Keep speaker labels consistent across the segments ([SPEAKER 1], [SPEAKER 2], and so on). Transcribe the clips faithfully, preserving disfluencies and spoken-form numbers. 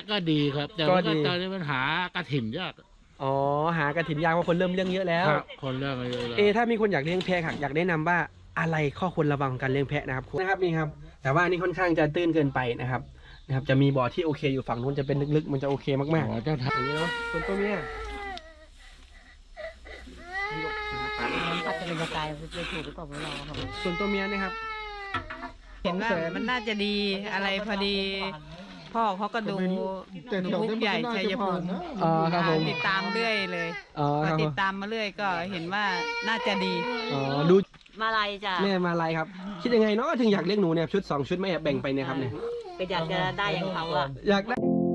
[SPEAKER 1] ก็ดีครับแต่ว่าตอนนี้มันหากระถิ่นยาก
[SPEAKER 2] อ๋อหากระถิ่นยากเพราะคนเริ่มเลี้ยงเยอะแล้ว
[SPEAKER 1] คนเลี้ยงเยอะแล้ว
[SPEAKER 2] เอถ้ามีคนอยากเลี้ยงแพะค่ะอยากแนะนำว่าอะไรข้อควรระวังการเลี้ยงแพะนะครับนะครับนี่ครับแต่ว่านี่ค่อนข้างจะตื้นเกินไปนะครับนะครับจะมีบ่อที่โอเคอยู่ฝั่งนู้นจะเป็นลึกๆมันจะโอเคมากๆ
[SPEAKER 1] อ๋อเจ้าทาง
[SPEAKER 2] อย่างนี้เนาะส่วนตัวเมีย
[SPEAKER 3] อาจจะเป็นกระจายจะถูกหรือเปล่าไม่รู้ครับ
[SPEAKER 2] ส่วนตัวเมียนะครับ
[SPEAKER 3] เห็นว่ามันน่าจะดีอะไรพอดีพ่อเขาก็ดูดูมุกใหญ่ชัยภูมิติดตามเรื่อยเลยพอติดตามมาเรื่อยก็เห็นว่าน่าจะดี
[SPEAKER 2] อ๋อดู
[SPEAKER 3] มาลายจ้ะ
[SPEAKER 2] แม่มาลายครับคิดยังไงเนาะถึงอยากเลี้ยงหนูเนี่ยชุดสองชุดไม่แบ่งไปเนี่ยครับเนี่ย
[SPEAKER 3] ก็อยากจะได้อย่างเขาอะ
[SPEAKER 2] อยากได้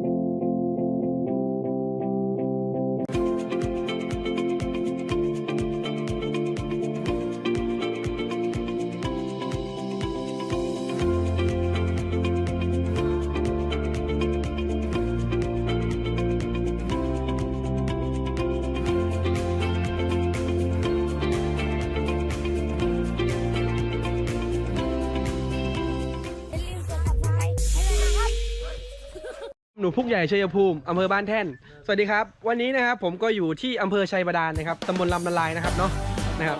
[SPEAKER 2] หนูพุกใหญ่ชัยภูมิอำเภอบ้านแท่นสวัสดีครับวันนี้นะครับผมก็อยู่ที่อำเภอชัยบาดาลนะครับตำบลลำนาลายนะครับเนาะนะครับ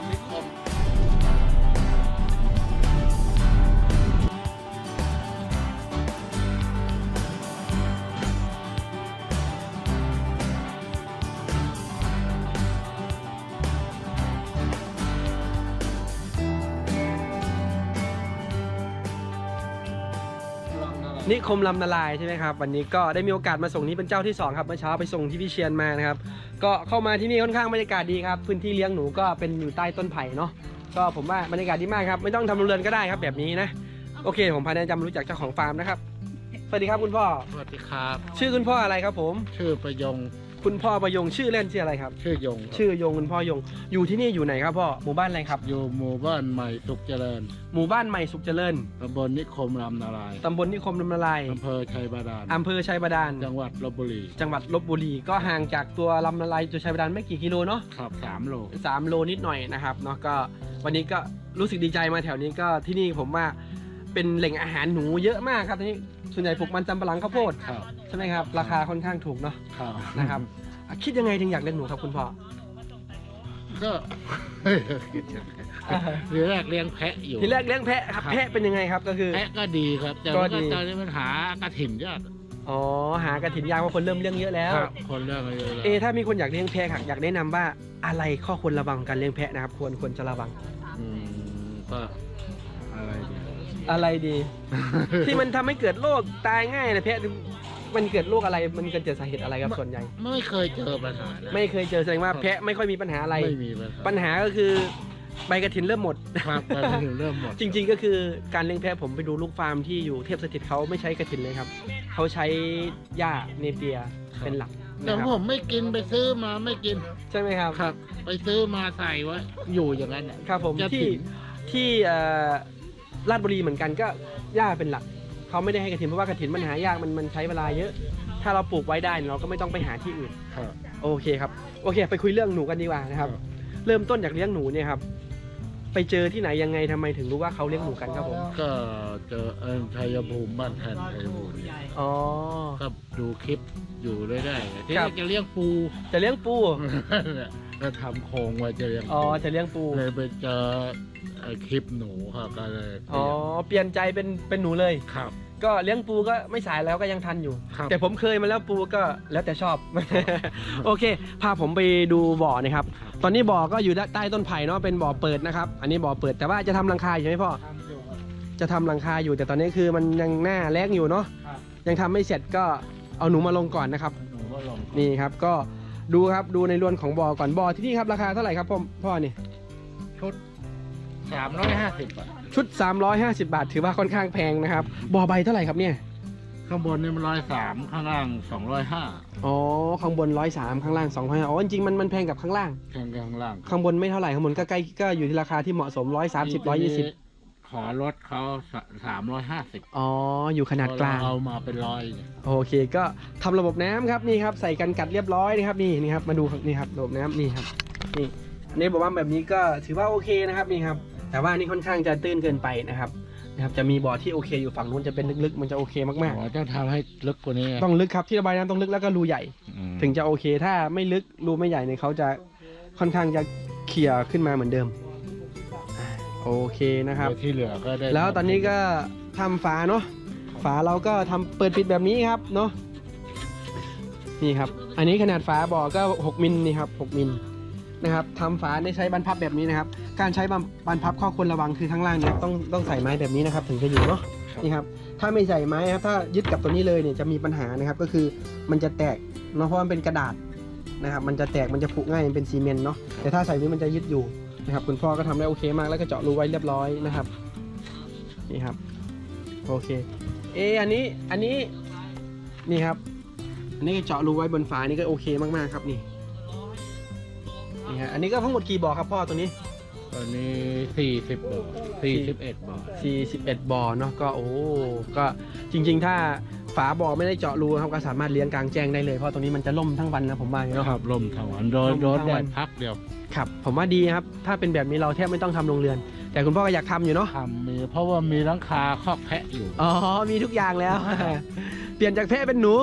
[SPEAKER 2] นิคมลำนาลายใช่ไหมครับวันนี้ก็ได้มีโอกาสมาส่งนี้เป็นเจ้าที่สองครับเมื่อเช้าไปส่งที่พี่เชียนมานะครับก็เข้ามาที่นี่ค่อนข้างบรรยากาศดีครับพื้นที่เลี้ยงหนูก็เป็นอยู่ใต้ต้นไผ่เนาะก็ผมว่าบรรยากาศดีมากครับไม่ต้องทำโรงเรือนก็ได้ครับแบบนี้นะโอเคผมพาแนะนำรู้จักเจ้าของฟาร์มนะครับสวัสดีครับคุณพ่อ
[SPEAKER 1] สวัสดีครับ
[SPEAKER 2] ชื่อคุณพ่ออะไรครับผม
[SPEAKER 1] ชื่อประยง
[SPEAKER 2] คุณพ่อประยงชื่อเล่นชื่ออะไรครับ
[SPEAKER 1] ชื่อยง
[SPEAKER 2] ชื่อยงคุณพ่อยงอยู่ที่นี่อยู่ไหนครับพ่อหมู่บ้านอะไรครับ
[SPEAKER 1] อยู่หมู่บ้านใหม่สุขเจริญ
[SPEAKER 2] หมู่บ้านใหม่สุขเจริญ
[SPEAKER 1] ตำบลนิคมลำนาลาย
[SPEAKER 2] ตำบลนิคมลำนาลาย
[SPEAKER 1] อำเภอชัยบาดาล
[SPEAKER 2] อำเภอชัยบาดาล
[SPEAKER 1] จังหวัดลพบุรี
[SPEAKER 2] จังหวัดลพบุรีก็ห่างจากตัวลำนาลายตัวชัยบาดาลไม่กี่กิโลเนาะ
[SPEAKER 1] ครับสามโล
[SPEAKER 2] สามโลนิดหน่อยนะครับเนาะก็วันนี้ก็รู้สึกดีใจมาแถวนี้ก็ที่นี่ผมว่าเป็นแหล่งอาหารหนูเยอะมากครับที่นี่ส่วนใหญ่ปลูกมันสำปะหลังข้าวโพดใช่ไหมครับราคาค่อนข้างถูกเนาะนะครับคิดยังไงถึงอยากเลี้ยงหนูครับคุณพ่อ
[SPEAKER 1] ก็ทีแรกเลี้ยงแพะอยู่
[SPEAKER 2] ทีแรกเลี้ยงแพะครับแพะเป็นยังไงครับก็คือ
[SPEAKER 1] แพะก็ดีครับแต่ว่าตอนนี้มันหากระถิ่นยาก
[SPEAKER 2] อ๋อหากระถิ่นยากเพราะคนเริ่มเลี้ยงเยอะแล้ว
[SPEAKER 1] คนเลี้ยงเยอะแล้ว
[SPEAKER 2] เอถ้ามีคนอยากเลี้ยงแพะค่ะอยากแนะนำว่าอะไรข้อควรระวังการเลี้ยงแพะนะครับควรควรจะระวัง
[SPEAKER 1] อืมก็อะไรดี
[SPEAKER 2] อะไรดี ที่มันทำให้เกิดโรคตายง่ายนะแพะมันเกิดโรคอะไรมันเกิดจากสาเหตุอะไรครับส่วนใหญ่
[SPEAKER 1] ไม่เคยเจอปัญหา
[SPEAKER 2] ไม่เคยเจอแสดงว่าแพะไม่ค่อยมีปัญหาอะไร
[SPEAKER 1] ไม่มี
[SPEAKER 2] ปัญหาก็คือใบกระถินเริ่มหมด
[SPEAKER 1] ครับใบกระถินเริ่มหมด
[SPEAKER 2] จริงๆก็คือการเลี้ยงแพะผมไปดูลูกฟาร์มที่อยู่เทพสถิตเขาไม่ใช้กระถินเลยครับเขาใช้หญ้าเนเปียเป็นหลัก
[SPEAKER 1] แต่ผมไม่กินไปซื้อมาไม่กิน
[SPEAKER 2] ใช่ไหมครับ
[SPEAKER 1] ครับไปซื้อมาใส่ไว้อยู่อย่างนั้น
[SPEAKER 2] ครับผมที่ที่ลาดบุรีเหมือนกันก็หญ้าเป็นหลักเขาไม่ได้ให้กระถินเพราะว่ากระถินมันหายากมันมันใช้เวลาเยอะถ้าเราปลูกไว้ได้เราก็ไม่ต้องไปหาที่อื่นโอเคครับโอเคไปคุยเรื่องหนูกันดีกว่านะครับเริ่มต้นจากเลี้ยงหนูเนี่ยครับไปเจอที่ไหนยังไงทำไมถึงรู้ว่าเขาเลี้ยงหนูกันครับผม
[SPEAKER 1] ก็เจอเอิญชัยภูมิบ้านแทนชัยภูมิ
[SPEAKER 2] อ๋อ
[SPEAKER 1] ก็ดูคลิปอยู่เรื่อยๆที่จะเลี้ยงปู
[SPEAKER 2] จะเลี้ยงปู
[SPEAKER 1] ก็ทำโครงไว้จะเลี้ยง
[SPEAKER 2] อ๋อจะเลี้ยงปู
[SPEAKER 1] เลยไปเจอคลิปหนูครับก็เลย
[SPEAKER 2] อ๋อเปลี่ยนใจเป็นเป็นหนูเลย
[SPEAKER 1] ครับ
[SPEAKER 2] ก็เลี้ยงปูก็ไม่สายแล้วก็ยังทันอยู่แต่ผมเคยมาแล้วปูก็แล้วแต่ชอบโอเคพาผมไปดูบ่อนะครับตอนนี้บ่อก็อยู่ใต้ต้นไผ่เนาะเป็นบ่อเปิดนะครับอันนี้บ่อเปิดแต่ว่าจะทำรังคาอยู่ไหมพ่อจะทำรังคาอยู่แต่ตอนนี้คือมันยังหน้าแล้งอยู่เนาะยังทำไม่เสร็จก็เอาหนูมาลงก่อนนะครับนี่ครับก็ดูครับดูในรวนของบ่อก่อนบ่อที่นี่ครับราคาเท่าไหร่ครับพ่อพ่อนี่
[SPEAKER 1] ชุดสามร้อยห้าสิบ
[SPEAKER 2] ชุดสามร้อยห้าสิบบาทถือว่าค่อนข้างแพงนะครับบ่อใบเท่าไหร่ครับเนี่ย
[SPEAKER 1] ข้างบนนี่มันร้อยสามข้างล่างสองร้อยห้า
[SPEAKER 2] อ๋อข้างบนร้อยสามข้างล่างสองร้อยห้าอ๋อจริงๆมันมันแพงกับข้างล่าง
[SPEAKER 1] แพงกับข้างล่าง
[SPEAKER 2] ข้างบนไม่เท่าไหร่ข้างบนก็ใกล้ก็อยู่ที่ราคาที่เหมาะสมร้อยสามสิบร้อยยี่สิบ
[SPEAKER 1] ขอลดเขาสามร้อยห้าสิบ
[SPEAKER 2] อ๋ออยู่ขนาดกลาง
[SPEAKER 1] เอามาเป็นร้อย
[SPEAKER 2] โอเคก็ทำระบบน้ำครับนี่ครับใส่กันกัดเรียบร้อยนะครับนี่นี่ครับมาดูนี่ครับระบบน้ำนี่ครับนี่ในบอกว่าแบบนี้ก็ถือว่าโอเคนะครับนี่ครับแต่ว่านี่ค่อนข้างจะตื้นเกินไปนะครับนะครับจะมีบ่อที่โอเคอยู่ฝั่งนู้นจะเป็นลึกๆมันจะโอเคมาก
[SPEAKER 1] อ๋อต้องทำให้ลึกกว่านี้
[SPEAKER 2] ๆต้องลึกครับที่ระบายน้ำต้องลึกแล้วก็รูใหญ่
[SPEAKER 1] อืม
[SPEAKER 2] ถึงจะโอเค ถ้าไม่ลึกรูไม่ใหญ่เนี่ยเขาจะค่อนข้างจะเขี่ยขึ้นมาเหมือนเดิมอ่าโอเคนะครับ
[SPEAKER 1] เดี๋ยวที่เหลือก็ได้
[SPEAKER 2] แล้วตอนนี้ก็ทำฝาเนาะฝาเราก็ทำเปิดปิดแบบนี้ครับเนาะนี่ครับอันนี้ขนาดฝาบ่อก็หกมิลนี่ครับหกมิลนะครับทำฝาได้ใช้บรรพับแบบนี้นะครับการใช้บรรพับข้อควรระวังคือข้างล่างเนี่ยต้องต้องใส่ไม้แบบนี้นะครับถึงจะอยู่เนาะนี่ครับถ้าไม่ใส่ไม้ครับถ้ายึดกับตัวนี้เลยเนี่ยจะมีปัญหานะครับก็คือมันจะแตกเนาะเพราะมันเป็นกระดาษนะครับมันจะแตกมันจะผุง่ายมันเป็นซีเมนต์เนาะแต่ถ้าใส่นี้มันจะยึดอยู่นะครับคุณพ่อก็ทำได้โอเคมากแล้วก็เจาะรูไว้เรียบร้อยนะครับนี่ครับโอเคเอออันนี้อันนี้นี่ครับอันนี้เจาะรูไว้บนฝานี่ก็โอเคมากๆครับนี่นี่ฮะอันนี้ก็ทั้งหมดกี่บ่อครับพ่อตัวนี้
[SPEAKER 1] ตอนนี้สี่สิบบ่อสี่สิบเอ็ดบ่อ
[SPEAKER 2] สี่สิบเอ็ดบ่อเนาะก็โอ้ก็จริงๆถ้าฝาบ่อไม่ได้เจาะรูครับก็สามารถเลี้ยงกลางแจ้งได้เลยเพราะตรงนี้มันจะล่มทั้งวันนะผมว่าเนาะ
[SPEAKER 1] ครับลมทั้งวันโดน
[SPEAKER 2] ลม
[SPEAKER 1] โดน
[SPEAKER 2] ทั้ง
[SPEAKER 1] แด
[SPEAKER 2] วัน
[SPEAKER 1] ดพักเดียว
[SPEAKER 2] ครับผมว่าดีครับถ้าเป็นแบบนี้เราแทบไม่ต้องทำโรงเรือน แต่คุณพ่อก็อยากทำอยู่เนาะ
[SPEAKER 1] ทำมีเพราะว่ามีหลังคาคอกแพะอยู่
[SPEAKER 2] อ๋อมีทุกอย่างแล้ว เปลี่ยนจากแพะเป็นหนู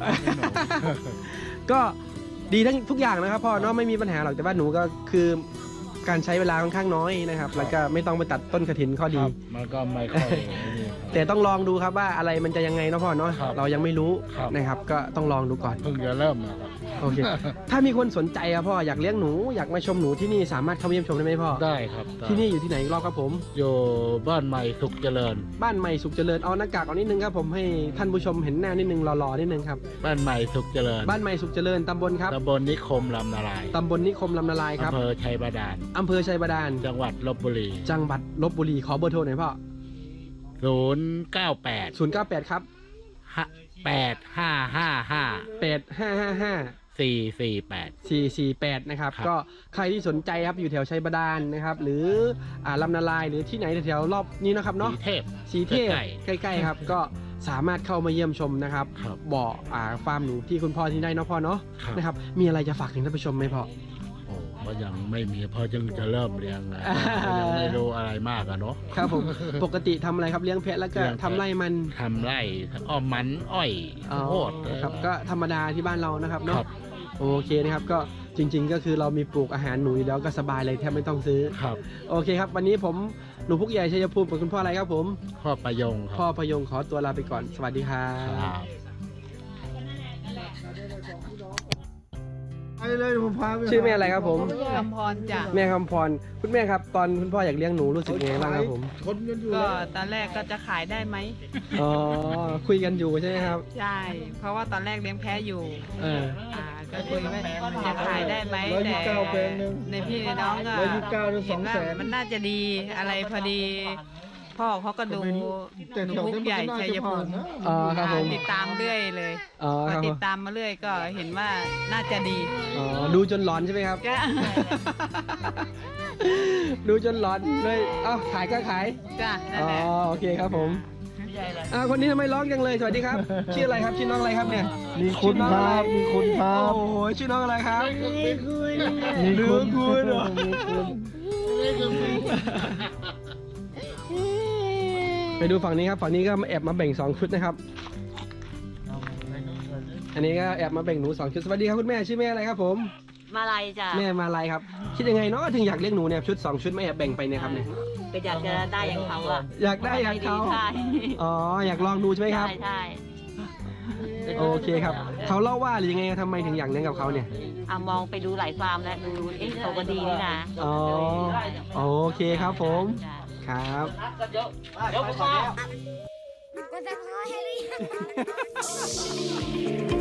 [SPEAKER 2] ก็ดีทั้งทุกอย่างนะครับพ่อเนาะไม่มีปัญหาหรอกแต่ว่าหนูก็คือการใช้เวลาค่อนข้างน้อยนะครับแล้วก็ไม่ต้องไปตัดต้นกระถินข้อดี
[SPEAKER 1] ครับมันก็ไม่ค่อยนี่ครับ
[SPEAKER 2] แต่ต้องลองดูครับว่าอะไรมันจะยังไงเนาะพ่อเนาะ
[SPEAKER 1] ครับ
[SPEAKER 2] เรายังไม่รู้
[SPEAKER 1] ครับ
[SPEAKER 2] นะครับก็ต้องลองดูก่อน
[SPEAKER 1] เพิ่งจะเริ่มนะครับ
[SPEAKER 2] โอเค ถ้ามีคนสนใจอะพ่ออยากเลี้ยงหนูอยากมาชมหนูที่นี่สามารถเข้ามาเยี่ยมชมได้ไหมพ่อ
[SPEAKER 1] ได้ครับได้
[SPEAKER 2] ที่นี่อยู่ที่ไหนอีกรอบครับผม
[SPEAKER 1] อยู่บ้านใหม่สุขเจริญ
[SPEAKER 2] บ้านใหม่สุขเจริญเอาหน้ากากออกนิดนึงครับผมให้ท่านผู้ชมเห็นหน้านิดนึงหล่อๆนิดนึงครับ
[SPEAKER 1] บ้านใหม่สุขเจริญ
[SPEAKER 2] บ้านใหม่สุขเจริญตำบลครับ
[SPEAKER 1] ตำบลนิคมลำนาลาย
[SPEAKER 2] ตำบลนิคมลำนาลายครับ
[SPEAKER 1] อำเภอชัยบาดาล
[SPEAKER 2] อำเภอชัยบาดาล
[SPEAKER 1] จังหวัดลบบุรี
[SPEAKER 2] จังหวัดลบบุรีขอเบอร์โทรหน่อยพ่อ
[SPEAKER 1] ศูนย์เก้าแปด
[SPEAKER 2] ศูนย์เก้าแปดครับ
[SPEAKER 1] แปดห้าห้าห้า
[SPEAKER 2] แปดห้าห้าห้า
[SPEAKER 1] สี่สี่แปด
[SPEAKER 2] สี่สี่แปดนะครับ
[SPEAKER 1] ครับ
[SPEAKER 2] ก็ใครที่สนใจครับอยู่แถวชัยบาดาลนะครับหรืออ่าลำนาลายหรือที่ไหนแถวๆรอบนี้นะครับเนาะ
[SPEAKER 1] สีเทพ
[SPEAKER 2] สีเทพ
[SPEAKER 1] ใกล้
[SPEAKER 2] ใกล้ๆครับก็สามารถเข้ามาเยี่ยมชมนะครับ
[SPEAKER 1] ครับ
[SPEAKER 2] บ่ออ่าฟาร์มหนูที่คุณพ่อที่ได้เนาะพ่อเนาะ
[SPEAKER 1] ครับ
[SPEAKER 2] นะครับมีอะไรจะฝากถึงท่านผู้ชมไหมพ่อ
[SPEAKER 1] โอ้ก็ยังไม่มีเพราะยังจะเริ่มเลี้ยงนะก็ยังไม่รู้อะไรมากอะเนาะ
[SPEAKER 2] ครับผม ปกติทำอะไรครับเลี้ยงแพะแล้วก็
[SPEAKER 1] เลี้ยงแพะ
[SPEAKER 2] ทำไร่มัน
[SPEAKER 1] ทำไร่อ้อมมันอ้อย
[SPEAKER 2] อ๋อ
[SPEAKER 1] โพด
[SPEAKER 2] ครับก็ธรรมดาที่บ้านเรานะครับ
[SPEAKER 1] ค
[SPEAKER 2] เนาะ
[SPEAKER 1] รับ
[SPEAKER 2] โอเคนะครับก็จริง ๆ ก็คือเรามีปลูกอาหารหนูอยู่แล้วก็สบายเลยแทบไม่ต้องซื้อ
[SPEAKER 1] ครับ
[SPEAKER 2] โอเคครับวันนี้ผมหนูพุกใหญ่ชัยภูมิกับคุณพ่ออะไรครับผม
[SPEAKER 1] พ่อประยงค
[SPEAKER 2] พ่อ
[SPEAKER 1] รับ
[SPEAKER 2] พยงขอตัวลาไปก่อนสวัสดีครั
[SPEAKER 1] ครับ บ
[SPEAKER 4] ไปเลยผมพาไป
[SPEAKER 2] ชื่อแม่อะไรครับผม
[SPEAKER 3] คำพรจ้ะ
[SPEAKER 2] แม่คำพรคุณแม่ครับตอนคุณพ่ออยากเลี้ยงหนูรู้สึกยังไงบ้างครับผม
[SPEAKER 4] ชนกันอยู่
[SPEAKER 3] ก็
[SPEAKER 4] แล้ว
[SPEAKER 3] ตอนแรกก็จะขายได้ไหม
[SPEAKER 2] อ๋อคุยกันอยู่ใช่ไหมครับ
[SPEAKER 3] ใช่ เพราะว่าตอนแรกเลี้ยงแพ้อยู่
[SPEAKER 2] เออ
[SPEAKER 3] อ่าก็คุยว่าจะขายได้ไหม
[SPEAKER 4] ร้อยยี่
[SPEAKER 3] แต่
[SPEAKER 4] สิบเก้าแปลงหนึ่ง
[SPEAKER 3] ในพี่ในน้องก็
[SPEAKER 4] ร้อยยี่สิบเก้าหรือ
[SPEAKER 3] เห็นว่า
[SPEAKER 4] สองแสน
[SPEAKER 3] มันน่าจะดีอะไรพอดี พ่อเขาก็ดู
[SPEAKER 4] แต่
[SPEAKER 3] หนู
[SPEAKER 4] แถว
[SPEAKER 3] พุก
[SPEAKER 4] นั้น
[SPEAKER 3] ใหญ่
[SPEAKER 4] มันก็น่า
[SPEAKER 3] ชัย
[SPEAKER 4] จะ
[SPEAKER 3] ภู
[SPEAKER 4] ผ่าน
[SPEAKER 3] มิ
[SPEAKER 4] นะ
[SPEAKER 2] อ๋อครับผม
[SPEAKER 3] ติดตามเรื่อยเลย
[SPEAKER 2] อ๋อ
[SPEAKER 3] พ
[SPEAKER 2] ค
[SPEAKER 3] อ
[SPEAKER 2] รับผ
[SPEAKER 3] ติ
[SPEAKER 2] ม
[SPEAKER 3] ดตามมาเรื่อยก็เห็นว่าน่าจะดี
[SPEAKER 2] อ๋อดูจนหลอนใช่ไหมครับ
[SPEAKER 3] ก็
[SPEAKER 2] ดูจนหลอนเลยเอ้าขายก็ขาย
[SPEAKER 3] จ้ะนั่น
[SPEAKER 2] อ๋อ
[SPEAKER 3] แหละ
[SPEAKER 2] โอเคครับผมอ่าคนนี้ทำไมร้องจังเลยสวัสดีครับ ชื่ออะไรครับชื่อน้องอะไรครับเนี่ย
[SPEAKER 4] มีคุณครับมีคุณครับ
[SPEAKER 2] โอ้โหชื่อน้องอะไรครับ
[SPEAKER 4] มีคุณ
[SPEAKER 2] ลืมคุณเหรอ
[SPEAKER 4] มีคุณ
[SPEAKER 2] ไปดูฝั่งนี้ครับฝั่งนี้ก็แอบมาแบ่งสองชุดนะครับ อันนี้ก็แอบมาแบ่งหนูสองชุดสวัสดีครับคุณแม่ชื่อแม่อะไรครับผม
[SPEAKER 5] มาลายจ้ะ
[SPEAKER 2] แม่มาลายครับคิดยังไงเนาะถึงอยากเลี้ยงหนูเนี่ยชุดสองชุดไม่แอบแบ่งไปเนี่ยครับเนี่ย
[SPEAKER 5] ก็อยากจะได้อย่างเขาอ่ะ
[SPEAKER 2] อยากได้อยากเขา
[SPEAKER 5] ใช่
[SPEAKER 2] อ๋ออยากลองดูใช่ไหมครับ
[SPEAKER 5] ใช่ใช่
[SPEAKER 2] โอเคครับเขาเล่าว่าหรือยังไงทำไมถึงอยากเลี้ยงกับเขาเนี่ย
[SPEAKER 5] อ่ะมองไปดูหลายฟาร์มแล้วดูเอ๊ะเขาก็ดีนี่นะ
[SPEAKER 2] อ๋อโอเคครับผม
[SPEAKER 5] จ้ะ
[SPEAKER 2] ครับ
[SPEAKER 6] ก็จะพอให้หรือยัง